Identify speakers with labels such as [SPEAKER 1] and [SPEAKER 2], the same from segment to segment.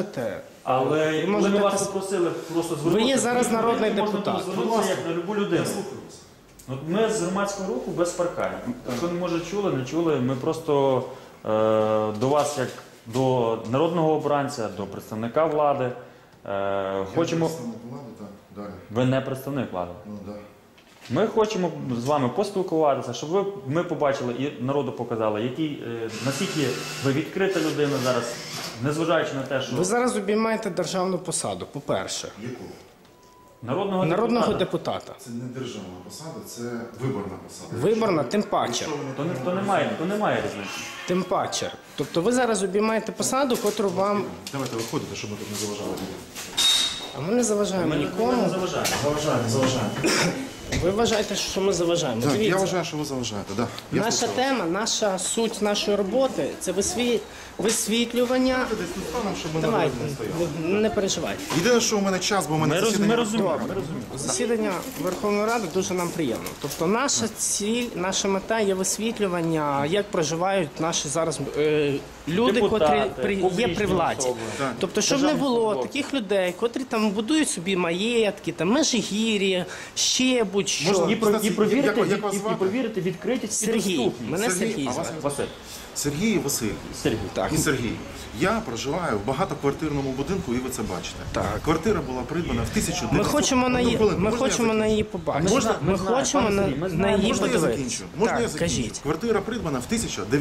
[SPEAKER 1] Але коли ми вас попросили просто звернутися...
[SPEAKER 2] Ви є зараз народний депутат.
[SPEAKER 1] Можна звернутися як на любу людину. От ми з громадського руху без парканів. Якщо не може чули, не чули, ми просто до вас, як до народного обранця, до представника влади, хочемо...
[SPEAKER 3] Представник влади, так, далі.
[SPEAKER 1] Ви не представник влади.
[SPEAKER 3] Ну, да.
[SPEAKER 1] Ми хочемо з вами поспілкуватися, щоб ми побачили і народу показали, наскільки ви відкрита людина зараз, незважаючи на те, що...
[SPEAKER 2] Ви зараз обіймаєте державну посаду, по-перше.
[SPEAKER 3] Яку?
[SPEAKER 1] Народного
[SPEAKER 2] депутата.
[SPEAKER 3] Це не державна посада, це виборна посада.
[SPEAKER 2] Виборна, тим паче.
[SPEAKER 1] То немає різниці.
[SPEAKER 2] Тим паче. Тобто ви зараз обіймаєте посаду, котру вам...
[SPEAKER 3] Давайте виходите, щоб ми тут не заважали.
[SPEAKER 2] А ми не заважаємо
[SPEAKER 1] Ми
[SPEAKER 2] нікому.
[SPEAKER 1] не заважаємо.
[SPEAKER 3] Заважаємо.
[SPEAKER 2] Ви вважаєте, що ми заважаємо.
[SPEAKER 3] Так, я
[SPEAKER 2] Дивіться,
[SPEAKER 3] вважаю, що ви заважаєте, так.
[SPEAKER 2] наша тема, наша суть нашої роботи – це висвітлювання...
[SPEAKER 3] Щоб ми на
[SPEAKER 2] Давайте,
[SPEAKER 3] дорозі не стояли.
[SPEAKER 2] не переживайте.
[SPEAKER 3] Єдине, що у мене час, бо у мене
[SPEAKER 1] Ми
[SPEAKER 3] засідання...
[SPEAKER 1] розуміємо.
[SPEAKER 2] Засідання Верховної Ради дуже нам приємно. Тобто наша ціль, наша мета є висвітлювання, як проживають наші зараз люди,
[SPEAKER 1] Депутати,
[SPEAKER 2] котрі є
[SPEAKER 1] публічні
[SPEAKER 2] при владі.
[SPEAKER 1] особи.
[SPEAKER 3] Так.
[SPEAKER 2] Тобто, щоб не
[SPEAKER 1] Державні
[SPEAKER 2] було
[SPEAKER 1] службовці.
[SPEAKER 2] таких людей, котрі там будують собі маєтки, там Межигір'я, ще будь-що.
[SPEAKER 3] Можна
[SPEAKER 1] І провірити
[SPEAKER 3] звати?
[SPEAKER 1] відкритість і
[SPEAKER 2] Сергій.
[SPEAKER 1] доступність.
[SPEAKER 2] Мене
[SPEAKER 3] Сергій,
[SPEAKER 2] Сергій
[SPEAKER 3] а вас
[SPEAKER 2] звати.
[SPEAKER 1] Василь.
[SPEAKER 3] Сергій Васильович.
[SPEAKER 1] Сергій.
[SPEAKER 2] Так.
[SPEAKER 3] І Сергій. Я проживаю в багатоквартирному будинку, і ви це бачите.
[SPEAKER 2] Так.
[SPEAKER 3] Квартира була придбана в 1900...
[SPEAKER 2] Ми хочемо на її,
[SPEAKER 3] Хвилинку,
[SPEAKER 2] ми
[SPEAKER 3] можна я
[SPEAKER 2] хочемо на
[SPEAKER 3] закінчу?
[SPEAKER 2] її побачити.
[SPEAKER 3] Можна?
[SPEAKER 2] Ми хочемо
[SPEAKER 1] пане Сергій, ми
[SPEAKER 2] на
[SPEAKER 1] знаємо.
[SPEAKER 2] її
[SPEAKER 3] Можна я
[SPEAKER 2] подивитися.
[SPEAKER 3] закінчу? Можна я
[SPEAKER 2] Так,
[SPEAKER 3] закінчу?
[SPEAKER 2] кажіть.
[SPEAKER 3] Квартира придбана в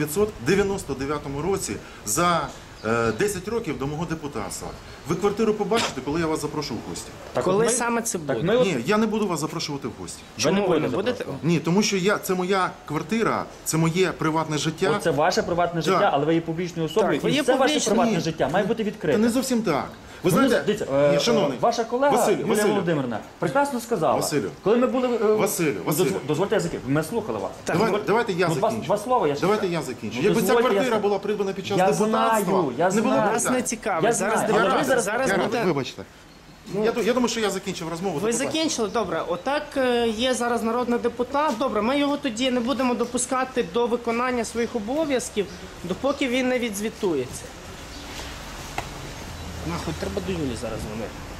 [SPEAKER 3] 1999 році за 10 років до мого депутатства. Ви квартиру побачите, коли я вас запрошу в гості.
[SPEAKER 1] Так,
[SPEAKER 2] Коли
[SPEAKER 1] от ми-
[SPEAKER 2] саме це буде?
[SPEAKER 1] Так ми от-
[SPEAKER 3] Ні, я не буду вас запрошувати в гості.
[SPEAKER 1] ви не
[SPEAKER 2] Чому ви не
[SPEAKER 1] будете
[SPEAKER 2] будете?
[SPEAKER 1] просто.
[SPEAKER 3] Ні, тому що це моя квартира, це моє приватне життя.
[SPEAKER 1] Це ваше приватне життя,
[SPEAKER 3] Так.
[SPEAKER 1] але ви є публічною особою,
[SPEAKER 2] Так, ви
[SPEAKER 1] і
[SPEAKER 2] є
[SPEAKER 1] все ваше
[SPEAKER 2] публічною.
[SPEAKER 1] приватне
[SPEAKER 3] Ні.
[SPEAKER 1] життя має бути
[SPEAKER 3] Та
[SPEAKER 1] відкрите.
[SPEAKER 3] не зовсім так. Ви
[SPEAKER 1] Ну,
[SPEAKER 3] знаєте,
[SPEAKER 1] дивіться,
[SPEAKER 3] ні, шановний,
[SPEAKER 1] ваша колега Юлія
[SPEAKER 3] Василю.
[SPEAKER 1] Володимирівна прекрасно сказала.
[SPEAKER 3] Василю.
[SPEAKER 1] Коли ми були...
[SPEAKER 3] Василю.
[SPEAKER 1] Дозвольте, я закінчу. Ми слухали вас.
[SPEAKER 2] Так.
[SPEAKER 3] Давайте я
[SPEAKER 1] Ну,
[SPEAKER 3] закінчу.
[SPEAKER 1] два слова я ще
[SPEAKER 3] Давайте
[SPEAKER 1] скажу.
[SPEAKER 3] я закінчу.
[SPEAKER 1] Ну,
[SPEAKER 3] Якби ця
[SPEAKER 1] дозвольте,
[SPEAKER 3] квартира
[SPEAKER 1] я-
[SPEAKER 3] була придбана під час
[SPEAKER 1] Я
[SPEAKER 3] депутатства,
[SPEAKER 1] знаю, я
[SPEAKER 3] не було
[SPEAKER 1] знаю.
[SPEAKER 2] Нас
[SPEAKER 3] питань.
[SPEAKER 2] не цікавить.
[SPEAKER 1] Я
[SPEAKER 2] Зараз
[SPEAKER 1] знаю, але ви
[SPEAKER 2] дивіться, зараз
[SPEAKER 3] Я-
[SPEAKER 2] буде...
[SPEAKER 3] Вибачте. Я думаю, що я закінчив розмову.
[SPEAKER 2] Ви
[SPEAKER 3] До побачення.
[SPEAKER 2] закінчили? Добре. Отак є зараз народний депутат. Добре, ми його тоді не будемо допускати до виконання своїх обов'язків, допоки він не відзвітується. Нахуй, треба до Юлі зараз дзвонити.